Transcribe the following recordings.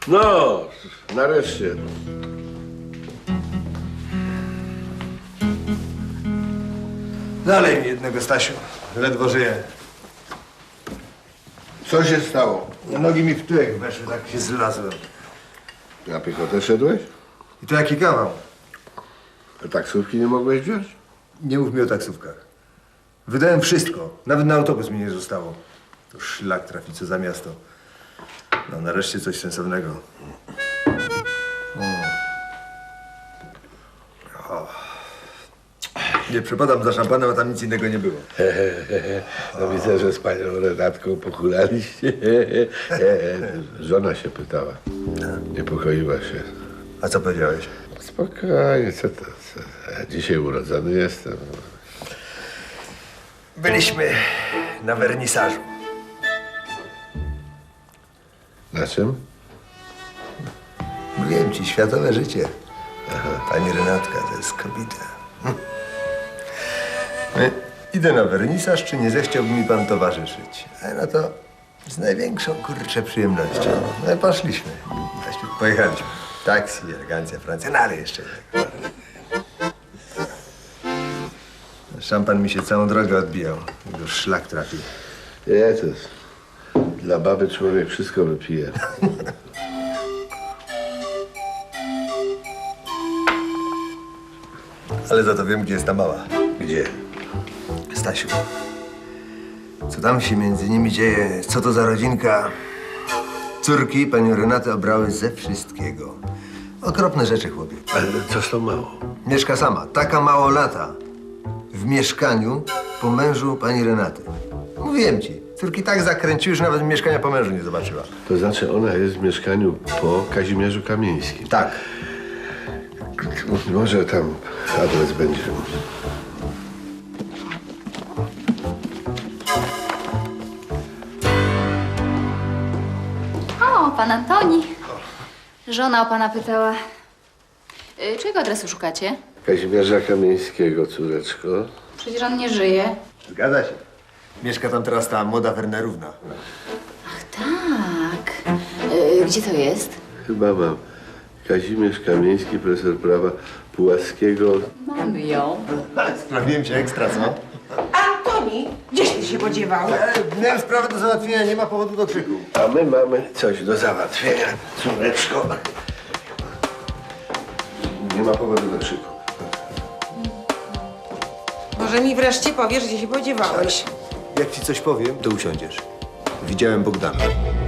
No, nareszcie. Dalej mi jednego, Stasiu. Ledwo żyję. Co się stało? Nogi mi w tyłek weszły, tak się zlazłem. Na piechotę szedłeś? I to jaki kawał? A taksówki nie mogłeś wziąć? Nie mów mi o taksówkach. Wydałem wszystko. Nawet na autobus mi nie zostało. To szlak trafi, co za miasto. No, nareszcie coś sensownego. O. Nie przepadam za szampanem, a tam nic innego nie było. No widzę, że z panią Renatką pochulaliście. Żona się pytała. Niepokoiła się. A co powiedziałeś? Spokojnie, co to? Co? Ja dzisiaj urodzony jestem. Byliśmy na wernisażu. Na czym? Mówiłem ci, światowe życie. Pani Renatka to jest kobieta. Idę na wernisaż, czy nie zechciałby mi pan towarzyszyć? A no to z największą, kurczę, przyjemnością. No i poszliśmy. Pojechaliśmy. Taksi, elegancja, Francja, no ale jeszcze tak. Szampan mi się całą drogę odbijał. Już szlak trafił. Jezus. Dla baby człowiek wszystko wypije. Ale za to wiem, gdzie jest ta mała. Gdzie? Stasiu, co tam się między nimi dzieje? Co to za rodzinka? Córki panią Renatę obrały ze wszystkiego. Okropne rzeczy, chłopie. Ale co z tą mało? Mieszka sama, taka mało lata. W mieszkaniu po mężu pani Renaty. Mówiłem ci, córki tak zakręciły, że nawet mieszkania po mężu nie zobaczyła. To znaczy ona jest w mieszkaniu po Kazimierzu Kamieńskim. Tak. Może tam adres będzie. O, pan Antoni. Żona o pana pytała. Czego adresu szukacie? Kazimierza Kamieńskiego, córeczko. Przecież on nie żyje. Zgadza się. Mieszka tam teraz ta młoda Wernerówna. Ach, tak. Gdzie to jest? Chyba mam. Kazimierz Kamieński, profesor prawa Pułaskiego. Mamy ją. Sprawiłem się ekstra, co? Antoni, gdzieś ty się podziewał? Miałem sprawę do załatwienia, nie ma powodu do krzyku. A my mamy coś do załatwienia, córeczko. Nie ma powodu do krzyku. Może mi wreszcie powiesz, gdzie się podziewałeś? Jak ci coś powiem, to usiądziesz. Widziałem Bogdana.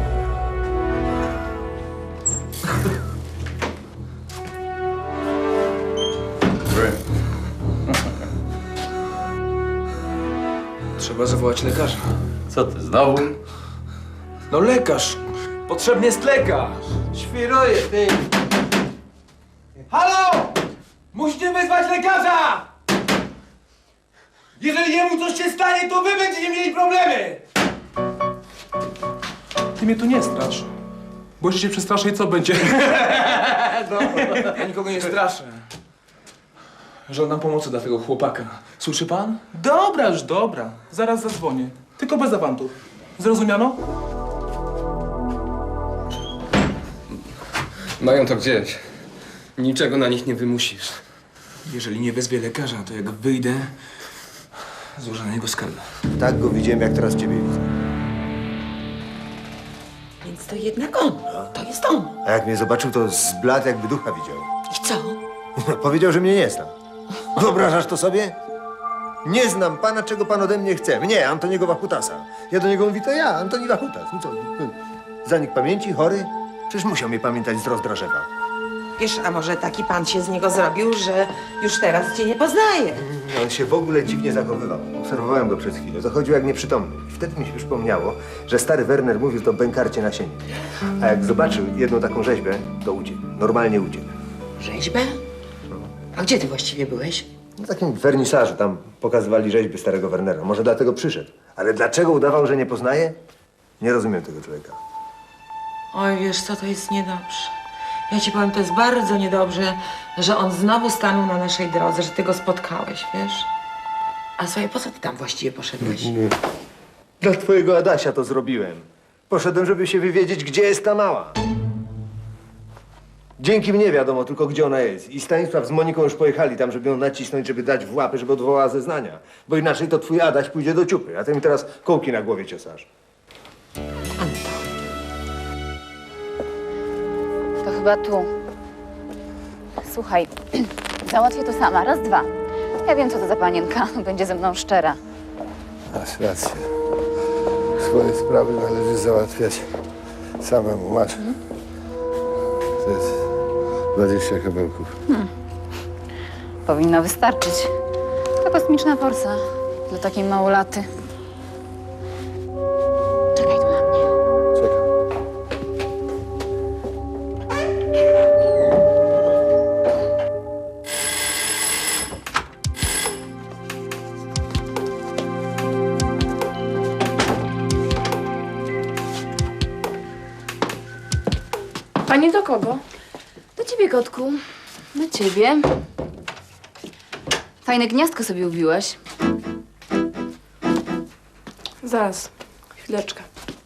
Trzeba zawołać lekarza. Co ty, znowu? No lekarz! Potrzebny jest lekarz! Świruję, ty! Halo! Musicie wezwać lekarza! Jeżeli jemu coś się stanie, to wy będziecie mieli problemy! Ty mnie tu nie strasz. Bo jeśli się przestraszę i co będzie? No. Ja nikogo nie straszę. Żądam pomocy dla tego chłopaka. Słyszy pan? Dobra, już dobra. Zaraz zadzwonię. Tylko bez awantów. Zrozumiano? Mają to gdzieś. Niczego na nich nie wymusisz. Jeżeli nie wezwie lekarza, to jak wyjdę, złożę na niego skargę. Tak go widziałem, jak teraz ciebie widzę. Więc to jednak on. To jest on. A jak mnie zobaczył, to zbladł, jakby ducha widział. I co? Powiedział, że mnie nie zna. Wyobrażasz to sobie? Nie znam pana, czego pan ode mnie chce. Mnie, Antoniego Wachutasa. Ja do niego mówię, to ja, Antoni Wachutas. No co? Zanik pamięci, chory? Przecież musiał mnie pamiętać z Rozdrożewa. Wiesz, a może taki pan się z niego zrobił, że już teraz cię nie poznaje? On się w ogóle dziwnie zachowywał. Obserwowałem go przez chwilę. Zachodził jak nieprzytomny. I wtedy mi się przypomniało, że stary Werner mówił to bękarcie na sieni. A jak zobaczył jedną taką rzeźbę, to uciekł. Normalnie uciekł. Rzeźbę? A gdzie ty właściwie byłeś? Na takim wernisażu tam pokazywali rzeźby starego Wernera. Może dlatego przyszedł. Ale dlaczego udawał, że nie poznaje? Nie rozumiem tego człowieka. Oj, wiesz co, to jest niedobrze. Ja ci powiem, to jest bardzo niedobrze, że on znowu stanął na naszej drodze, że ty go spotkałeś, wiesz? A słuchaj, po co ty tam właściwie poszedłeś? Nie. Dla twojego Adasia to zrobiłem. Poszedłem, żeby się wywiedzieć, gdzie jest ta mała. Dzięki mnie wiadomo tylko, gdzie ona jest. I Stanisław z Moniką już pojechali tam, żeby ją nacisnąć, żeby dać w łapy, żeby odwołała zeznania. Bo inaczej to twój Adaś pójdzie do ciupy, a ty mi teraz kołki na głowie ciosasz. To chyba tu. Słuchaj, załatwię to sama. Raz, dwa. Ja wiem, co to za panienka. Będzie ze mną szczera. Masz rację. Swoje sprawy należy załatwiać samemu. Masz. To jest 20 kabełków. Powinno wystarczyć. To kosmiczna forsa dla takiej małolaty. Czekaj tu na mnie. Czekam. Pani do kogo? Do ciebie, kotku. Do ciebie. Fajne gniazdko sobie ubiłaś. Zaraz, chwileczkę.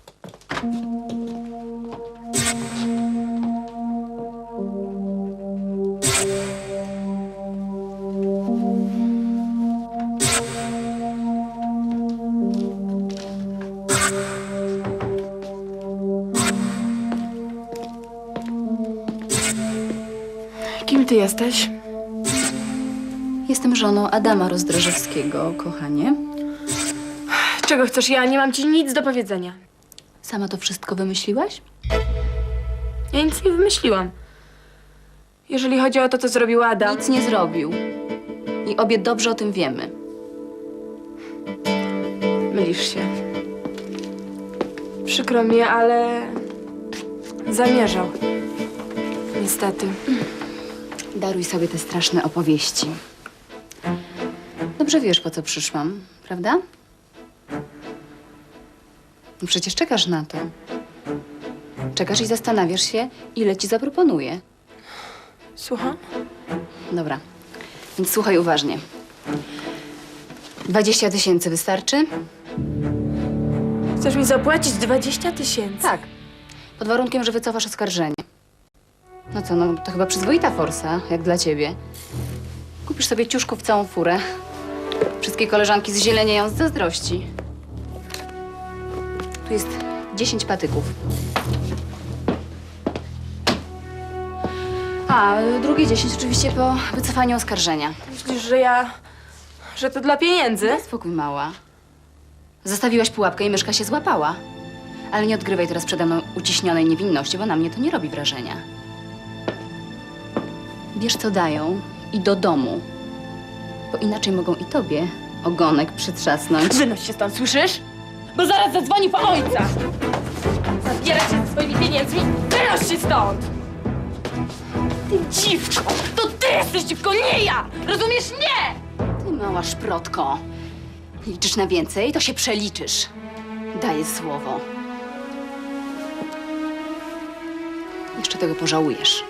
Kim ty jesteś? Jestem żoną Adama Rozdrożewskiego, kochanie. Czego chcesz? Ja nie mam ci nic do powiedzenia. Sama to wszystko wymyśliłaś? Ja nic nie wymyśliłam. Jeżeli chodzi o to, co zrobił Adam... Nic nie zrobił. I obie dobrze o tym wiemy. Mylisz się. Przykro mi, ale... zamierzał. Niestety. Daruj sobie te straszne opowieści. Dobrze wiesz, po co przyszłam, prawda? No przecież czekasz na to. Czekasz i zastanawiasz się, ile ci zaproponuję. Słucham? Dobra, więc słuchaj uważnie. 20 000 wystarczy? Chcesz mi zapłacić 20 000? Tak. Pod warunkiem, że wycofasz oskarżenie. No co, no to chyba przyzwoita forsa, jak dla ciebie. Kupisz sobie ciuszków całą furę. Wszystkie koleżanki zzielenieją z zazdrości. Tu jest 10 patyków. A drugie 10 oczywiście po wycofaniu oskarżenia. Myślisz, że to dla pieniędzy? Daj spokój, mała. Zostawiłaś pułapkę i myszka się złapała. Ale nie odgrywaj teraz przede mną uciśnionej niewinności, bo na mnie to nie robi wrażenia. Bierz, co dają i do domu. Bo inaczej mogą i tobie ogonek przytrzasnąć. Wynoś się stąd, słyszysz? Bo zaraz zadzwoni po ojca! Zabieraj się ze swoimi pieniędzmi! Wynoś się stąd! Ty dziwko! To ty jesteś dziwką, nie ja! Rozumiesz? Nie! Ty mała szprotko. Liczysz na więcej, to się przeliczysz. Daję słowo. Jeszcze tego pożałujesz.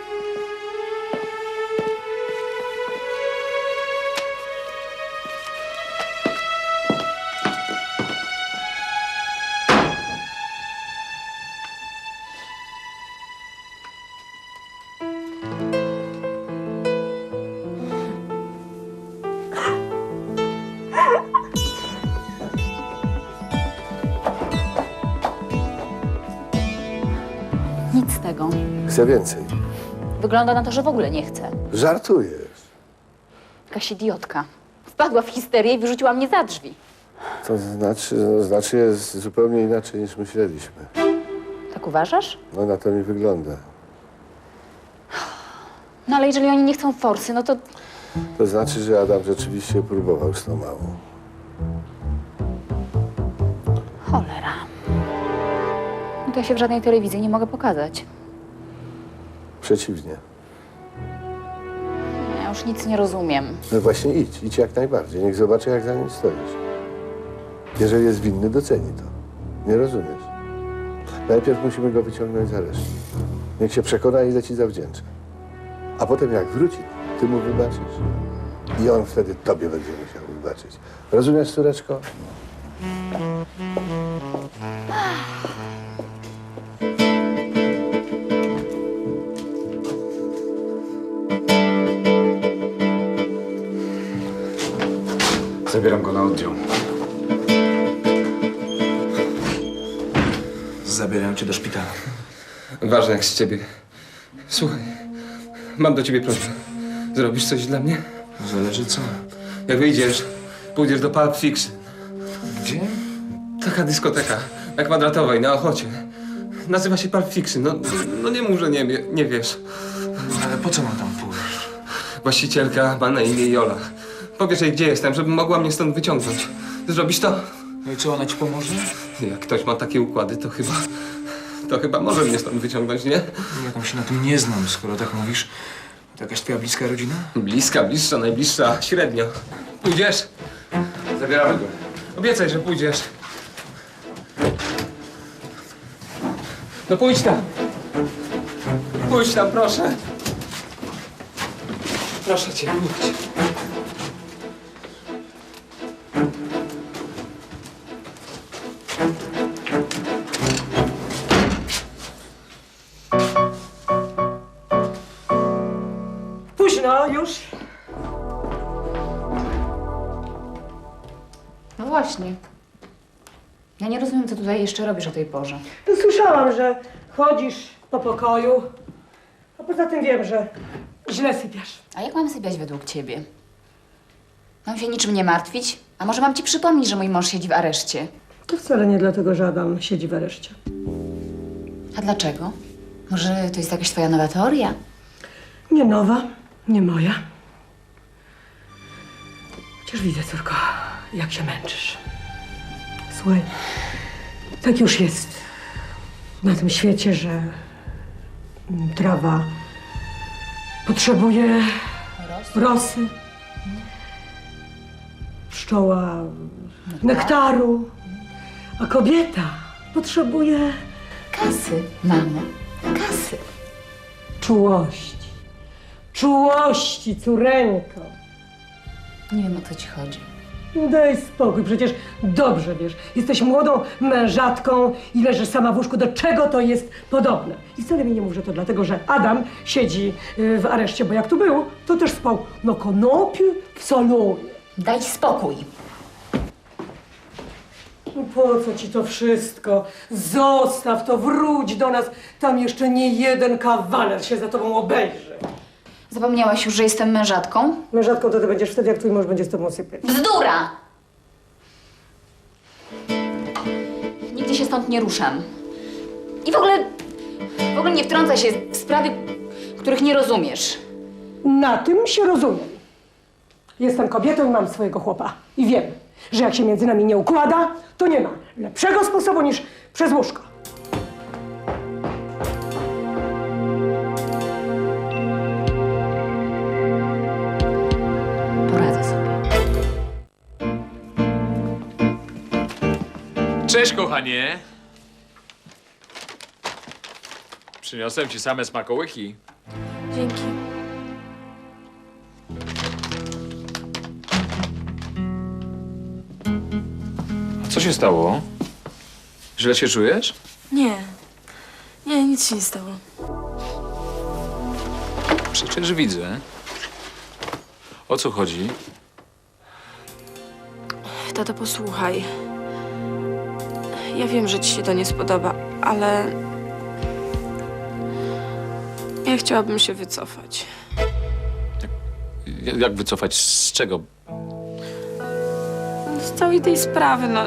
Nic z tego. Chcę więcej. Wygląda na to, że w ogóle nie chce. Żartujesz. Jakaś idiotka. Wpadła w histerię i wyrzuciła mnie za drzwi. To znaczy jest zupełnie inaczej niż myśleliśmy. Tak uważasz? No na to mi wygląda. No ale jeżeli oni nie chcą forsy, no to... To znaczy, że Adam rzeczywiście próbował z tą małą. Cholera. No to ja się w żadnej telewizji nie mogę pokazać. Przeciwnie. Ja już nic nie rozumiem. No właśnie idź jak najbardziej. Niech zobaczy, jak za nim stoisz. Jeżeli jest winny, doceni to. Nie rozumiesz? Najpierw musimy go wyciągnąć z aresztu. Niech się przekona, ile ci zawdzięcza. A potem jak wróci, ty mu wybaczysz. I on wtedy tobie będzie musiał wybaczyć. Rozumiesz, córeczko? Zabieram go na oddział. Zabierają cię do szpitala. Ważne jak z ciebie. Słuchaj, mam do ciebie prośbę. Zrobisz coś dla mnie? Zależy co. Jak wyjdziesz, pójdziesz do Pulp Fiction. Gdzie? Taka dyskoteka na Kwadratowej, na Ochocie. Nazywa się Pulp Fiction. No nie mów, że nie wiesz. Ale po co mam tam pójść? Właścicielka ma na imię Jola. Powiesz jej, gdzie jestem, żeby mogła mnie stąd wyciągnąć. Zrobisz to? No i co, ona ci pomoże? Jak ktoś ma takie układy, to chyba może mnie stąd wyciągnąć, nie? Ja tam się na tym nie znam, skoro tak mówisz. To jakaś twoja bliska rodzina? Bliska, bliższa, najbliższa, średnio. Pójdziesz? Zabieramy go. Obiecaj, że pójdziesz. No pójdź tam. Pójdź tam, proszę. Proszę cię, pójdź. Późno już. No właśnie. Ja nie rozumiem, co tutaj jeszcze robisz o tej porze. No, słyszałam, że chodzisz po pokoju. A poza tym wiem, że źle sypiasz. A jak mam sypiać według ciebie? Mam się niczym nie martwić? A może mam ci przypomnieć, że mój mąż siedzi w areszcie? To wcale nie dlatego, że Adam siedzi w areszcie. A dlaczego? Może to jest jakaś twoja nowa teoria? Nie nowa, nie moja. Chociaż widzę, córko, jak się męczysz. Słuchaj, tak już jest na tym świecie, że trawa potrzebuje rosy, pszczoła nektaru, a kobieta potrzebuje Kasy, mamo. Kasy. czułości. Czułości, córeńko. Nie wiem, o co ci chodzi. Daj spokój, przecież dobrze wiesz. Jesteś młodą mężatką i leżysz sama w łóżku. Do czego to jest podobne? I wcale mi nie mów, że to dlatego, że Adam siedzi w areszcie, bo jak tu był, to też spał na konopie w salonie. Daj spokój. No po co ci to wszystko? Zostaw to, wróć do nas. Tam jeszcze nie jeden kawaler się za tobą obejrzy. Zapomniałaś już, że jestem mężatką? Mężatką to ty będziesz wtedy, jak twój mąż będzie z tobą sypiać. Bzdura! Nigdy się stąd nie ruszam. I w ogóle nie wtrącaj się w sprawy, których nie rozumiesz. Na tym się rozumiem. Jestem kobietą i mam swojego chłopa. I wiem, że jak się między nami nie układa, to nie ma lepszego sposobu niż przez łóżko. Poradzę sobie. Cześć, kochanie. Przyniosłem ci same smakołyki. Dzięki. Co się stało? Źle się czujesz? Nie. Nie, nic się nie stało. Przecież widzę. O co chodzi? Tato, posłuchaj. Ja wiem, że ci się to nie spodoba, ale... Ja chciałabym się wycofać. Jak wycofać z czego? Z całej tej sprawy, no...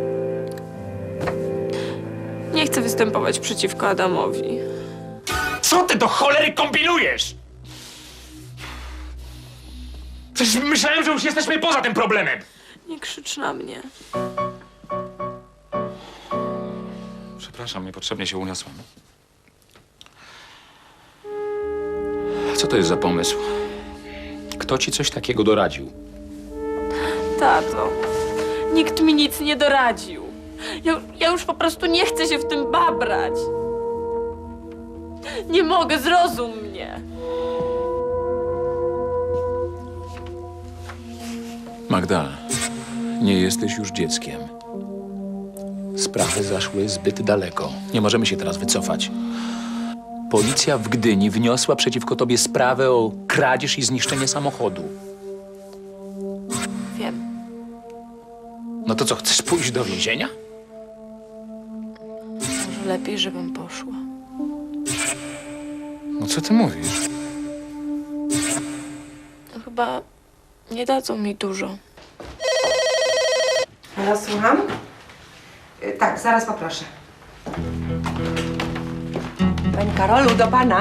Nie chcę występować przeciwko Adamowi. Co ty do cholery kombinujesz? Przecież myślałem, że już jesteśmy poza tym problemem. Nie krzycz na mnie. Przepraszam, niepotrzebnie się uniosłem. Co to jest za pomysł? Kto ci coś takiego doradził? Tato, nikt mi nic nie doradził. Ja już po prostu nie chcę się w tym babrać. Nie mogę, zrozum mnie. Magda, nie jesteś już dzieckiem. Sprawy zaszły zbyt daleko. Nie możemy się teraz wycofać. Policja w Gdyni wniosła przeciwko tobie sprawę o kradzież i zniszczenie samochodu. Wiem. No to co, chcesz pójść do więzienia? Może lepiej, żebym poszła. No co ty mówisz? No chyba nie dadzą mi dużo. Ja słucham? Tak, zaraz poproszę. Pani Karolu, do pana.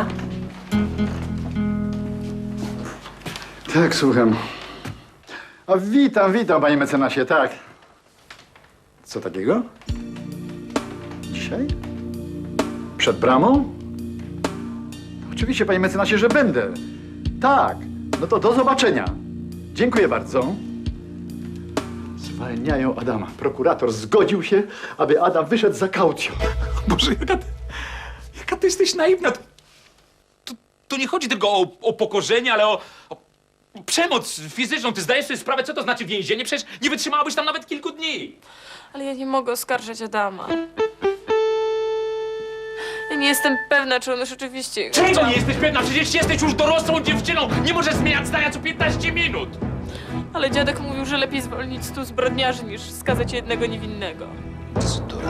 Tak, słucham. O, witam, panie mecenasie, tak. Co takiego? Dzisiaj? Przed bramą? Oczywiście, panie mecenasie, że będę. Tak, no to do zobaczenia. Dziękuję bardzo. Zwalniają Adama. Prokurator zgodził się, aby Adam wyszedł za kaucją. Boże, jaka ty jesteś naiwna. Tu nie chodzi tylko o pokorzenie, ale o przemoc fizyczną. Ty zdajesz sobie sprawę, co to znaczy więzienie? Przecież nie wytrzymałabyś tam nawet kilku dni. Ale ja nie mogę oskarżać Adama. Ja nie jestem pewna, czy on już rzeczywiście... Czego nie jesteś pewna? Przecież jesteś już dorosłą dziewczyną. Nie możesz zmieniać zdania co 15 minut. Ale dziadek mówił, że lepiej zwolnić 100 zbrodniarzy, niż skazać jednego niewinnego. Bzdura.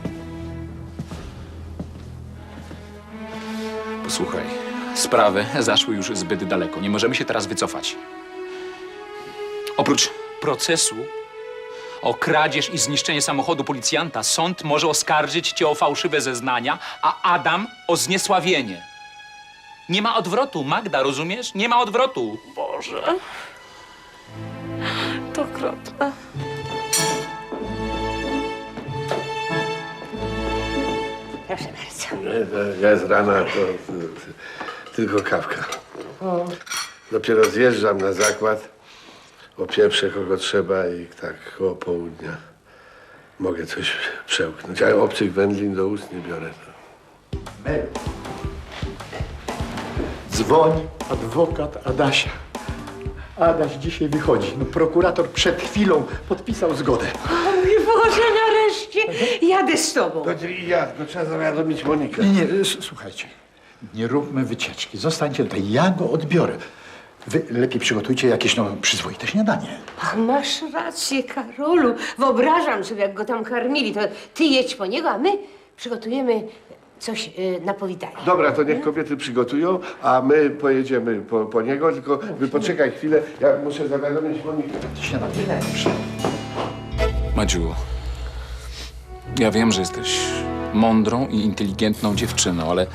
Posłuchaj, sprawy zaszły już zbyt daleko. Nie możemy się teraz wycofać. Oprócz procesu o kradzież i zniszczenie samochodu policjanta, sąd może oskarżyć cię o fałszywe zeznania, a Adam o zniesławienie. Nie ma odwrotu, Magda, rozumiesz? Nie ma odwrotu. Boże. To okropne. Proszę bardzo. Ja z rana to tylko kawka. Dopiero zjeżdżam na zakład, opieprzę kogo trzeba i tak koło południa mogę coś przełknąć. A obcych wędlin do ust nie biorę. Mel. Dzwoń adwokat Adasia. Adaś dzisiaj wychodzi. No, prokurator przed chwilą podpisał zgodę. O mój Boże, nareszcie jadę z tobą. No trzeba zawiadomić Monikę. Nie, słuchajcie. Nie róbmy wycieczki. Zostańcie tutaj. Ja go odbiorę. Wy lepiej przygotujcie jakieś przyzwoite śniadanie. Masz rację, Karolu. Wyobrażam sobie, jak go tam karmili. To ty jedź po niego, a my przygotujemy coś na powitanie. Dobra, to niech kobiety przygotują, a my pojedziemy po niego, tylko wy poczekaj chwilę, ja muszę zawiadomić Monikę. Śniadanie. Dobrze. Madziu, ja wiem, że jesteś mądrą i inteligentną dziewczyną, ale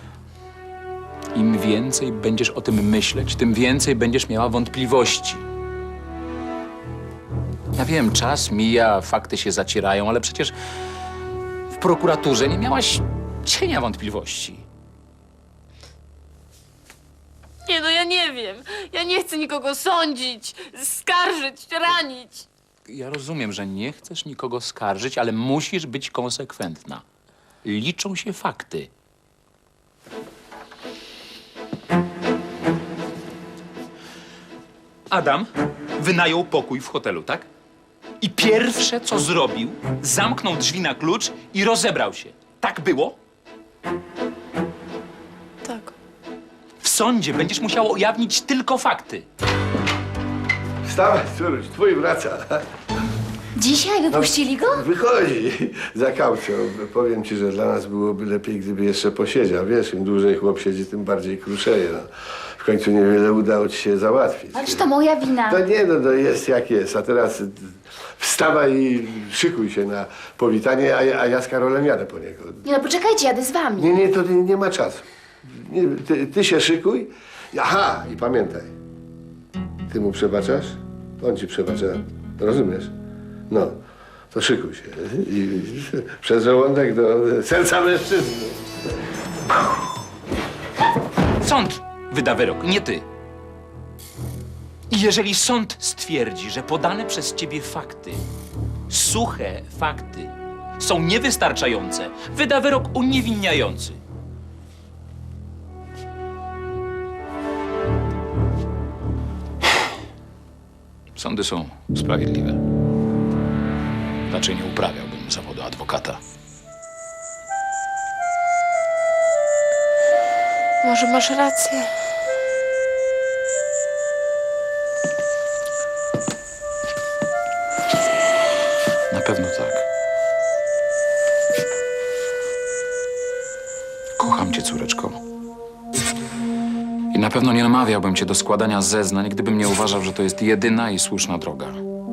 im więcej będziesz o tym myśleć, tym więcej będziesz miała wątpliwości. Ja wiem, czas mija, fakty się zacierają, ale przecież w prokuraturze nie miałaś cienia wątpliwości. Nie, no ja nie wiem. Ja nie chcę nikogo sądzić, skarżyć, ranić. Ja rozumiem, że nie chcesz nikogo skarżyć, ale musisz być konsekwentna. Liczą się fakty. Adam wynajął pokój w hotelu, tak? I pierwsze, co zrobił, zamknął drzwi na klucz i rozebrał się. Tak było? Tak. W sądzie będziesz musiała ujawnić tylko fakty. Wstawaj, córuś, twój wraca. Dzisiaj wypuścili go? Wychodzi za kaucją. Powiem ci, że dla nas byłoby lepiej, gdyby jeszcze posiedział. Wiesz, im dłużej chłop siedzi, tym bardziej kruszeje. No. W końcu niewiele udało ci się załatwić. Ależ to moja wina. No nie, no jest jak jest. A teraz wstawaj i szykuj się na powitanie, a ja z Karolem jadę po niego. Nie no, poczekajcie, jadę z wami. Nie, to nie ma czasu. Nie, ty się szykuj. Aha, i pamiętaj. Ty mu przebaczasz, on ci przebacza. Rozumiesz? No, to szykuj się. I przez żołądek do serca mężczyzny. Sąd wyda wyrok, nie ty. I jeżeli sąd stwierdzi, że podane przez ciebie fakty, suche fakty, są niewystarczające, wyda wyrok uniewinniający. Sądy są sprawiedliwe. Raczej nie uprawiałbym zawodu adwokata. Może masz rację. pewno nie namawiałbym cię do składania zeznań, gdybym nie uważał, że to jest jedyna i słuszna droga.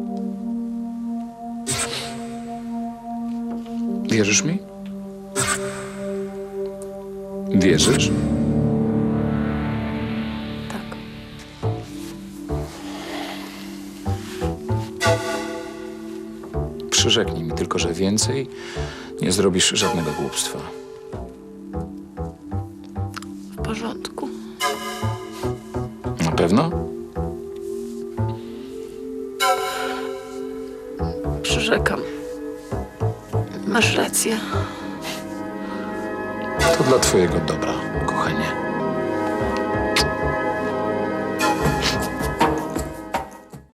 Wierzysz mi? Wierzysz? Tak. Przyrzeknij mi tylko, że więcej nie zrobisz żadnego głupstwa. W porządku. Na pewno? Przyrzekam. Masz rację. To dla twojego dobra, kochanie.